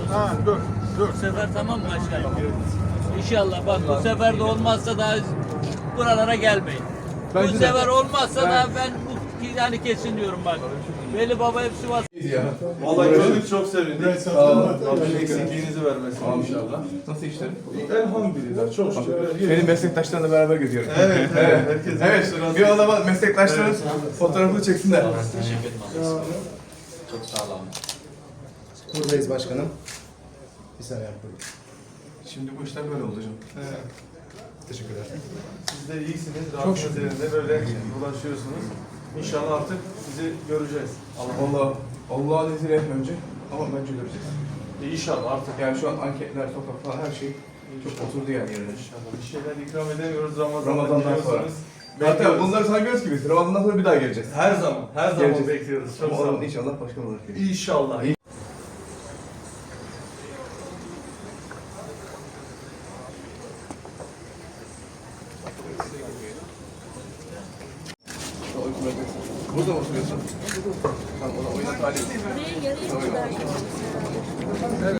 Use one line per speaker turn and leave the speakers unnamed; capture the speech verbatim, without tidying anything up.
Ha, dur, dur.
Bu sefer tamam mı başkanım? İnşallah bak bu sefer de olmazsa daha buralara gelmeyin.
Bence
bu
de.
sefer olmazsa da ben bu yani kesin diyorum bak. Veli Baba hep Sivas.
Ya.
Vallahi gördük, çok sevindik.
Sağ olun.
Rabbim eksikliğinizi vermesin inşallah.
Nasıl işler?
Elhamdülillah, çok şükür.
Benim meslektaşlarımla beraber geziyorum.
Evet, evet. Herkes
Evet, bir o zaman meslektaşların fotoğrafını çeksinler.
Çok sağ olun.
Buradayız başkanım. Bir saniye yapalım.
Şimdi bu işler böyle oldu hocam.
Evet.
Teşekkürler.
Siz de iyisiniz,
Çok
rahatınız
şükür.
yerinde böyle ulaşıyorsunuz. İnşallah artık sizi göreceğiz. Allah
Allah, Allah'ın izniyle önce ama bence göreceğiz.
İnşallah artık.
Yani şu an anketler, sokak falan her şey çok oturdu yani yerine.
İnşallah. Bir şeyler ikram edemiyoruz Ramazan'da.
Ramazan'dan sonra.
biliyorsunuz.
Hatta
Bekliyoruz.
bunları saymıyoruz ki biz. Ramazan'dan sonra bir daha geleceğiz.
Her zaman, her zaman
Geleceğiz.
bekliyoruz. Çok
Ama
sağ
oranın
olun.
inşallah başkan olarak geleceğiz.
İnşallah.
Burada mı oturuyorsun? Tamam, o da oyuna talip.
Buraya yarı kadar.